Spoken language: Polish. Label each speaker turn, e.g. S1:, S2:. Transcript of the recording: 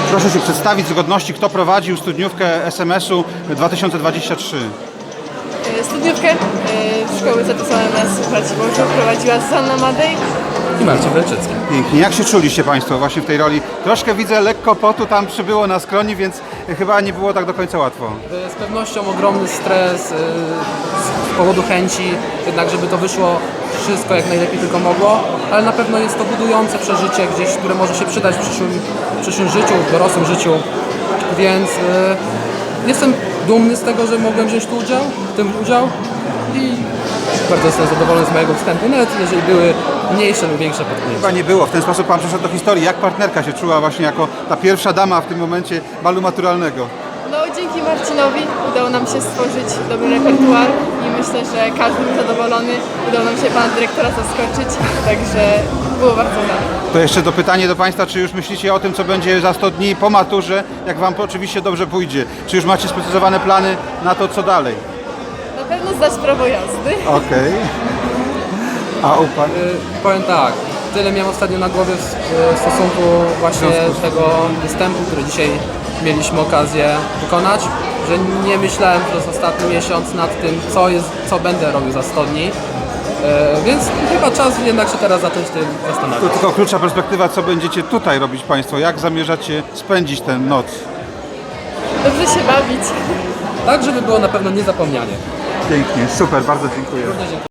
S1: Proszę się przedstawić z godności, kto prowadził studniówkę SMS-u 2023.
S2: Studniówkę szkoły ZSOMS Braciborzu prowadziła Zuzanna Madej.
S3: I Marcin Welczycki.
S1: Pięknie. Jak się czuliście Państwo właśnie w tej roli? Troszkę widzę, lekko potu tam przybyło na skroni, więc chyba nie było tak do końca łatwo.
S3: Z pewnością ogromny stres z powodu chęci, jednak żeby to wyszło wszystko jak najlepiej tylko mogło, ale na pewno jest to budujące przeżycie gdzieś, które może się przydać w przyszłym życiu, w dorosłym życiu, więc jestem dumny z tego, że mogłem wziąć w tym udział i bardzo jestem zadowolony z mojego wstępu, nawet jeżeli były mniejsze lub większe potknięcia.
S1: Chyba nie było. W ten sposób Pan przeszedł do historii. Jak partnerka się czuła właśnie jako ta pierwsza dama w tym momencie balu maturalnego?
S2: No dzięki Marcinowi udało nam się stworzyć dobry repertuar i myślę, że każdy był zadowolony. Udało nam się pana dyrektora zaskoczyć, także było bardzo fajnie.
S1: To jeszcze pytanie do Państwa, czy już myślicie o tym, co będzie za 100 dni po maturze, jak Wam oczywiście dobrze pójdzie? Czy już macie sprecyzowane plany na to, co dalej?
S2: Na pewno zdać prawo jazdy.
S1: Okej. A u Pan?
S3: Powiem tak, tyle miałem ostatnio na głowie w stosunku właśnie tego występu, który dzisiaj mieliśmy okazję wykonać, że nie myślałem przez ostatni miesiąc nad tym, co będę robił za 100 dni. Więc chyba czas jednak się teraz zacząć tym
S1: To
S3: zastanawiać.
S1: tylko klucza perspektywa, co będziecie tutaj robić Państwo? Jak zamierzacie spędzić tę noc?
S2: Dobrze się bawić.
S3: Tak, żeby było na pewno niezapomnianie.
S1: Pięknie, super, bardzo dziękuję.
S3: Również dziękuję.